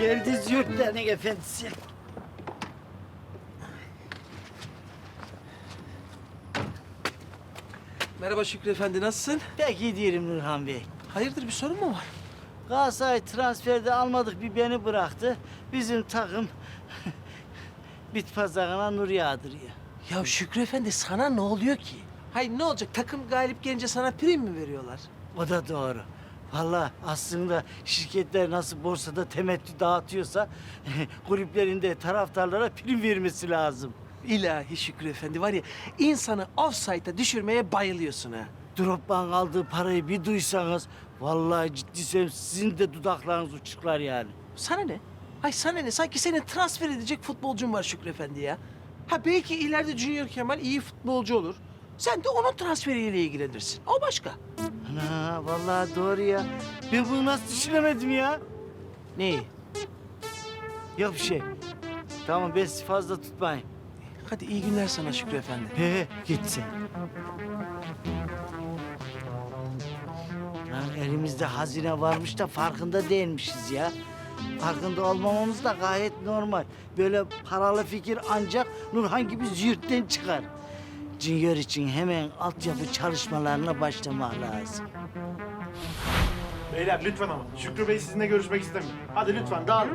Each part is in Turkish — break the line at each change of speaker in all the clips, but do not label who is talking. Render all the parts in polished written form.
Geldi Züğürtlerin efendisi.
Merhaba Şükrü Efendi, nasılsın?
Pek iyi değilim Nurhan Bey.
Hayırdır, bir sorun mu var?
Galatasaray transferde almadık bir beni bıraktı. Bizim takım bit pazarına nur yağdırıyor.
Ya Şükrü Efendi, sana ne oluyor ki? Hayır, ne olacak? Takım galip gelince sana prim mi veriyorlar?
O da doğru. Vallahi aslında şirketler nasıl borsada temettü dağıtıyorsa kulüplerinde taraftarlara prim vermesi lazım.
İlahi Şükrü Efendi, var ya, insanı offside'a düşürmeye bayılıyorsun ha.
Drogba'nın aldığı parayı bir duysanız vallahi ciddi söylüyorum sizin de dudaklarınız uçuklar yani.
Sana ne? Hay sana ne? Sanki senin transfer edecek futbolcun var Şükrü Efendi ya. Ha belki ileride Junior Kemal iyi futbolcu olur. Sen de onun transferiyle ilgilenirsin. O başka.
Ana vallahi doğru ya. Ben bunu nasıl düşünemedim ya?
Neyi?
Yok bir şey. Tamam ben sizi fazla tutmayayım.
Hadi iyi günler sana Şükrü Efendi.
He git sen. Lan elimizde hazine varmış da farkında değilmişiz ya. Farkında olmamamız da gayet normal. Böyle paralı fikir ancak Nurhan gibi züğürtten çıkar. Junior için hemen altyapı çalışmalarına başlamak lazım.
Beyler lütfen ama. Şükrü Bey sizinle görüşmek istemiyor. Hadi lütfen dağılın.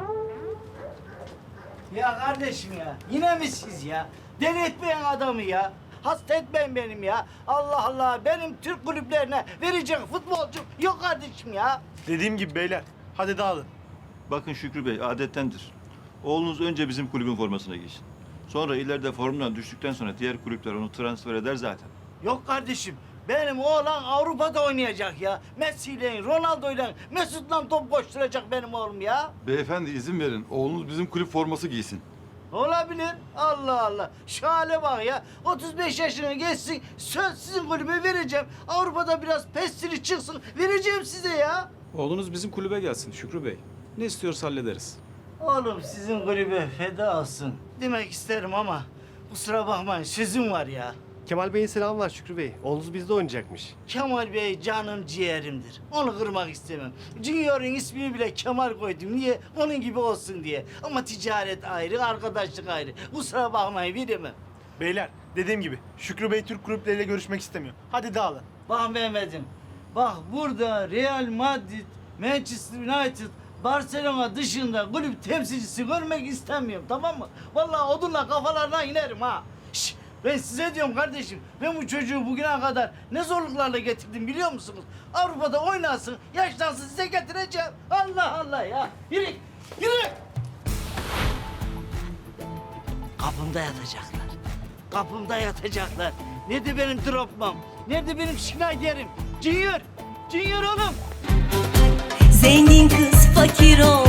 Ya kardeşim ya, yine mi siz ya? Deli etmeyin adamı ya. Hasta etmeyin benim ya. Allah Allah, benim Türk kulüplerine verecek futbolcum yok kardeşim ya.
Dediğim gibi beyler. Hadi dağılın.
Bakın Şükrü Bey, adettendir. Oğlunuz önce bizim kulübün formasına giysin. Sonra ileride formdan düştükten sonra diğer kulüpler onu transfer eder zaten.
Yok kardeşim, benim oğlan Avrupa'da oynayacak ya. Messi'yle, Ronaldo'yla, Mesut'la top koşturacak benim oğlum ya.
Beyefendi izin verin. Oğlunuz bizim kulüp forması giysin.
Olabilir. Allah Allah. Şu hale bak ya. 35 yaşına geçsin. Söz sizin kulübe vereceğim. Avrupa'da biraz pestili çıksın. Vereceğim size ya.
Oğlunuz bizim kulübe gelsin Şükrü Bey. Ne istiyorsa hallederiz.
Oğlum sizin kulübe feda olsun. Demek isterim ama kusura bakmayın sözüm var ya.
Kemal Bey'in selamı var Şükrü Bey. Oğlunuz bizde oynayacakmış.
Kemal Bey canım ciğerimdir. Onu kırmak istemem. Junior'un ismini bile Kemal koydum. Niye? Onun gibi olsun diye. Ama ticaret ayrı, arkadaşlık ayrı. Kusura bakmayın veremem.
Beyler dediğim gibi Şükrü Bey Türk kulüpleriyle görüşmek istemiyor. Hadi dağılın.
Bak Mehmet'im. Bak burada Real Madrid, Manchester United, Barcelona dışında kulüp temsilcisi görmek istemiyorum, tamam mı? Vallahi odunla kafalarına inerim ha. Şş, ben size diyorum kardeşim, ben bu çocuğu bugüne kadar ne zorluklarla getirdim biliyor musunuz? Avrupa'da oynasın, yaşlansın size getireceğim. Allah Allah ya. Yürü, yürü. Kapımda yatacaklar. Kapımda yatacaklar. Nerede benim dropmam? Nerede benim Schneider'im? Junior! Junior oğlum!
Zengin kız fakir ol